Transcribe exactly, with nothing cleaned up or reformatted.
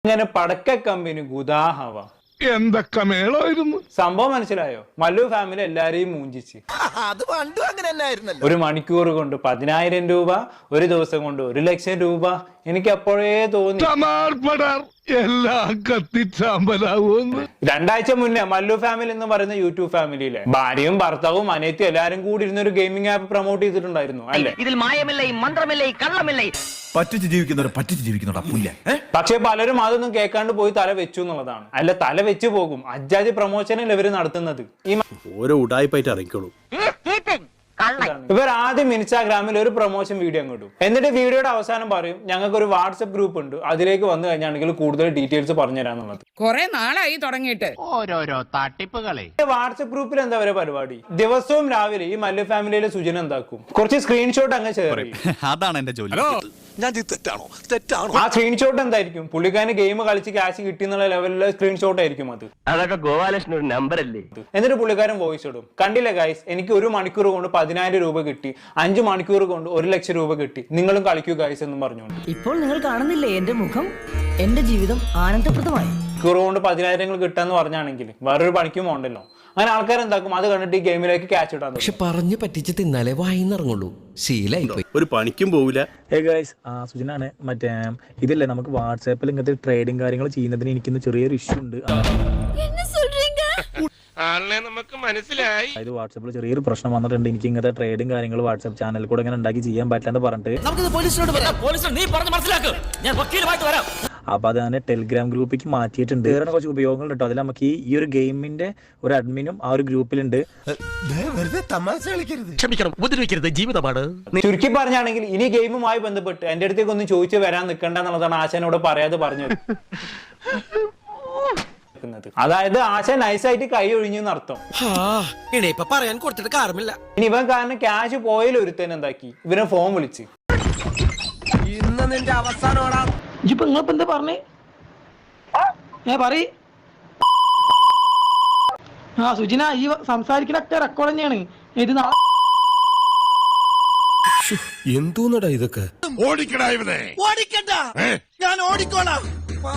അങ്ങനെ പടക്ക കമ്പനി ഗുദാഹവ എന്തൊക്കെ മേളായിരുന്നു സംഭവം മനസ്സിലായോ? മല്ലു ഫാമിലി എല്ലാരെയും മൂഞ്ചിച്ച് അത് പണ്ടും അങ്ങനെ തന്നെ ആയിരുന്നല്ലോ. ഒരു മണിക്കൂർ കൊണ്ട് പതിനായിരം രൂപ, ഒരു ദിവസം കൊണ്ട് ഒരു ലക്ഷം രൂപ. എനിക്ക് അപ്പോഴേ തോന്നി എല്ലാം കത്തിച്ചാമ്പലാവൂന്ന്. രണ്ടാഴ്ച മുന്നേ മല്ലു ഫാമിലി എന്ന് പറയുന്ന യൂട്യൂബ് ഫാമിലിയിലെ ഭാര്യയും ഭർത്താവും അനിയത്തിയും എല്ലാരും കൂടി ഇരുന്ന ഒരു ഗെയിമിംഗ് ആപ്പ് പ്രൊമോട്ട് ചെയ്തിട്ടുണ്ടായിരുന്നു അല്ലേ? ഇതിൽ മായമില്ലേ, മന്ത്രമില്ലേ, കള്ളമില്ലേ, പറ്റിച്ച് ജീവിക്കുന്നവർ പറ്റിച്ച് ജീവിക്കുന്നവരാ പുല്ല. പക്ഷെ പലരും അതൊന്നും കേൾക്കാണ്ട് പോയി തല വെച്ചു എന്നുള്ളതാണ്. അല്ല, തല വെച്ച് പോകും. അജാതി പ്രൊമോഷനിൽ ഇവര് നടത്തുന്നത്. ഈ ഓരോ ഉടായ്പായിട്ട് ഇറങ്ങിക്കോളൂ. ഇവർ ആദ്യം ഇൻസ്റ്റാഗ്രാമിൽ ഒരു പ്രൊമോഷൻ വീഡിയോ അങ്ങ് ഇടും. എന്നിട്ട് വീഡിയോയുടെ അവസാനം പറയും ഞങ്ങൾക്ക് ഒരു വാട്സ്ആപ്പ് ഗ്രൂപ്പ് ഉണ്ട്, അതിലേക്ക് വന്നു കഴിഞ്ഞാണെങ്കിൽ കൂടുതൽ ഡീറ്റെയിൽസ് പറഞ്ഞുതരാന്നുള്ളത്. കുറെ നാളായി തുടങ്ങിയിട്ട് ഓരോരോ തട്ടിപ്പുകളെ. വാട്സ്ആപ്പ് ഗ്രൂപ്പിൽ എന്താ പറയുക പരിപാടി? ദിവസവും രാവിലെ ഈ മല്ലു ഫാമിലിയിലെ സുജന എന്താക്കും, കുറച്ച് സ്ക്രീൻഷോട്ട് അങ്ങ് ഷെയർ ചെയ്യും. അതാണ് എന്റെ ജോലി. ഞാൻ തെറ്റാണോ തെറ്റാണോ ആ സ്ക്രീൻഷോട്ട് എന്തായിരിക്കും? പുള്ളിക്കാരന് ഗെയിം കളിച്ച് ക്യാഷ് കിട്ടി എന്നുള്ള ലെവലിലെ സ്ക്രീൻഷോട്ട് ആയിരിക്കും അത്. അതൊക്കെ ഗോപാലകൃഷ്ണൻ ഒരു നമ്പർ അല്ലേ? എന്നിട്ട് പുള്ളിക്കാരൻ വോയിസ് ഇടും, കണ്ടില്ല ഗൈസ്, എനിക്ക് ഒരു മണിക്കൂർ കൊണ്ട് പതിനായിരം രൂപ കിട്ടി, അഞ്ചു മണിക്കൂർ കൊണ്ട് ഒരു ലക്ഷം രൂപ കിട്ടി, നിങ്ങളും കളിക്കൂ ഗൈസ് എന്നും പറഞ്ഞുകൊണ്ട്. ഇപ്പോൾ നിങ്ങൾ കാണുന്നില്ലേ എന്റെ മുഖം? എന്റെ ജീവിതം ആനന്ദപ്രദമായി. മണിക്കൂർ കൊണ്ട് പതിനായിരങ്ങൾ കിട്ടാന്ന് പറഞ്ഞാണെങ്കിൽ വേറൊരു പണിക്കും പോകണ്ടല്ലോ. അങ്ങനെ ആൾക്കാർ എന്താക്കും, അത് കണ്ടിട്ട് ഈ ഗെയിമിലേക്ക് ക്യാച്ച് ഇടാൻ. പക്ഷെ പറഞ്ഞു പറ്റിച്ച് തിന്നാലേ വായിന്നിറങ്ങുള്ളൂ. ശീലായി ഒരു പണിക്കും പോവില്ല. ഏ ഗൈസ്, ആ സുജനാണ്. മറ്റേ ഇതില്ലേ, നമുക്ക് വാട്സാപ്പിൽ ഇങ്ങനത്തെ ട്രേഡിങ് കാര്യങ്ങൾ ചെയ്യുന്നതിന് എനിക്കിന്ന് ചെറിയൊരു ഇഷ്യൂ ഉണ്ട്. നമുക്ക് മനസ്സിലായി. അതായത് വാട്സാപ്പിൽ ചെറിയൊരു പ്രശ്നം വന്നിട്ടുണ്ട്. എനിക്ക് ഇങ്ങനത്തെ ട്രേഡിങ് കാര്യങ്ങൾ വാട്സാപ്പ് ചാനലിൽ കൂടെ ഇങ്ങനെ ഉണ്ടാക്കി ചെയ്യാൻ പറ്റില്ലെന്ന് പറഞ്ഞിട്ട് അപ്പൊ അത് തന്നെ ടെലിഗ്രാം ഗ്രൂപ്പിലേക്ക് മാറ്റിയിട്ടുണ്ട്. വേറെ കുറച്ച് ഉപയോഗങ്ങൾ കേട്ടോ. അതിൽ നമുക്ക് ഈ ഒരു ഗെയിമിന്റെ ഒരു അഡ്മിനും ആ ഒരു ഗ്രൂപ്പിലുണ്ട്. ക്ഷമിക്കണം, ഉപദ്രവിക്കരുത്, ജീവിതമാണ്. ചുരുക്കി പറഞ്ഞാണെങ്കിൽ ഇനി ഗെയിമുമായി ബന്ധപ്പെട്ട് എന്റെ അടുത്തേക്ക് ഒന്നും ചോദിച്ചു വരാൻ നിൽക്കണ്ട എന്നുള്ളതാണ് ആശാനോട് പറയാതെ പറഞ്ഞത്. അതായത് ആശാൻ നൈസായിട്ട് കൈ ഒഴിഞ്ഞു അർത്ഥം. ഇപ്പൊ പറയാൻ കൊടുത്തിട്ട് കാരണമില്ല. ഇനി ഇവൻ കാരണം ക്യാഷ് പോയാലും ഒരുത്തൻ എന്താക്കി, ഇവനെ ഫോൺ വിളിച്ച് ഇന്ന് നിന്റെ അവസാനോടാ. ഇപ്പൊ നിങ്ങളിപ്പോ എന്താ പറഞ്ഞേ? ഏ പറയ്. ആ സുജിന, ഈ സംസാരിക്കണൊക്കെ റെക്കോർഡ് തന്നെയാണ്. ഇത് എന്തോന്നടാ ഇതൊക്കെ? ഓടിക്കടാ ഇവനെ. ഓടിക്കണ്ട, ഞാൻ ഓടിക്കോളാം.